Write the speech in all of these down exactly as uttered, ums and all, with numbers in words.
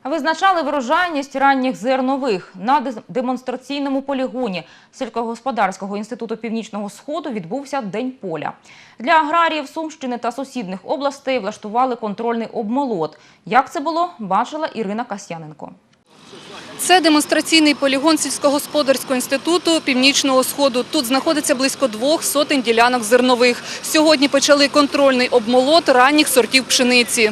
Визначали врожайність ранніх зернових. На демонстраційному полігоні Сільськогосподарського інституту Північного Сходу відбувся День поля. Для аграріїв Сумщини та сусідних областей влаштували контрольний обмолот. Як це було, бачила Ірина Касьяненко. Це демонстраційний полігон Сільськогосподарського інституту Північного Сходу. Тут знаходиться близько двох сотень ділянок зернових. Сьогодні почали контрольний обмолот ранніх сортів пшениці.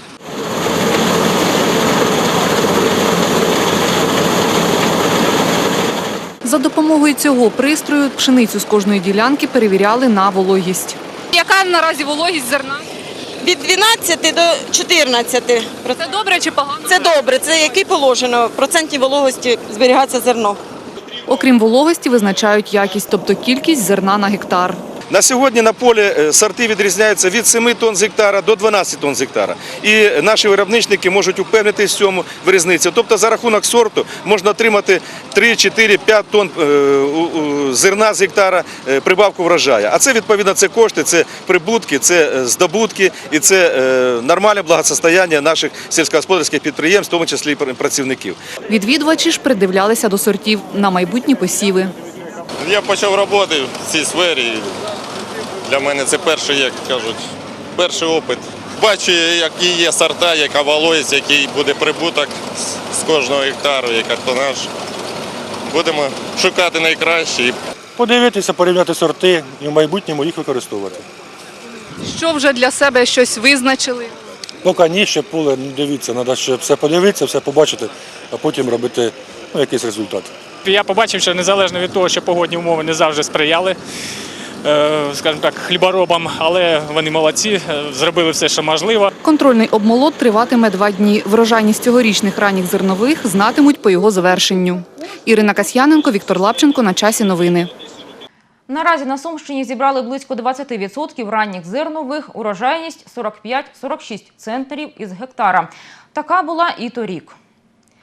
За допомогою цього пристрою пшеницю з кожної ділянки перевіряли на вологість. Яка наразі вологість зерна? Від дванадцяти до чотирнадцяти. Це добре чи погано? Це добре, це який положено, в проценті вологості зберігається зерно. Окрім вологості, визначають якість, тобто кількість зерна на гектар. На сьогодні на полі сорти відрізняються від семи тонн з гектара до дванадцяти тонн з гектара. І наші виробничники можуть упевнитися в цьому в різниці. Тобто за рахунок сорту можна отримати три, чотири, п'ять тонн зерна з гектара прибавку врожаю. А це, відповідно, це кошти, це прибутки, це здобутки і це нормальне благосостояння наших сільськогосподарських підприємств, в тому числі і працівників. Відвідувачі ж придивлялися до сортів на майбутні посіви. Я почав роботи в цій сфері. Для мене це перший, як кажуть, перший опит. Бачу, які є сорта, яка вологість, який буде прибуток з кожного гектару, яка тонаж. Будемо шукати найкраще. Подивитися, порівняти сорти і в майбутньому їх використовувати. Що вже для себе щось визначили? Поки ні, ще поле, ну, дивіться, треба ще все подивитися, все побачити, а потім робити ну, якийсь результат. Я побачив, що незалежно від того, що погодні умови не завжди сприяли, скажімо так, хліборобам, але вони молодці, зробили все, що можливо. Контрольний обмолот триватиме два дні. Врожайність цьогорічних ранніх зернових знатимуть по його завершенню. Ірина Касьяненко, Віктор Лапченко. На часі новини. Наразі на Сумщині зібрали близько двадцяти відсотків ранніх зернових, урожайність сорок п'ять - сорок шість центнерів із гектара. Така була і торік.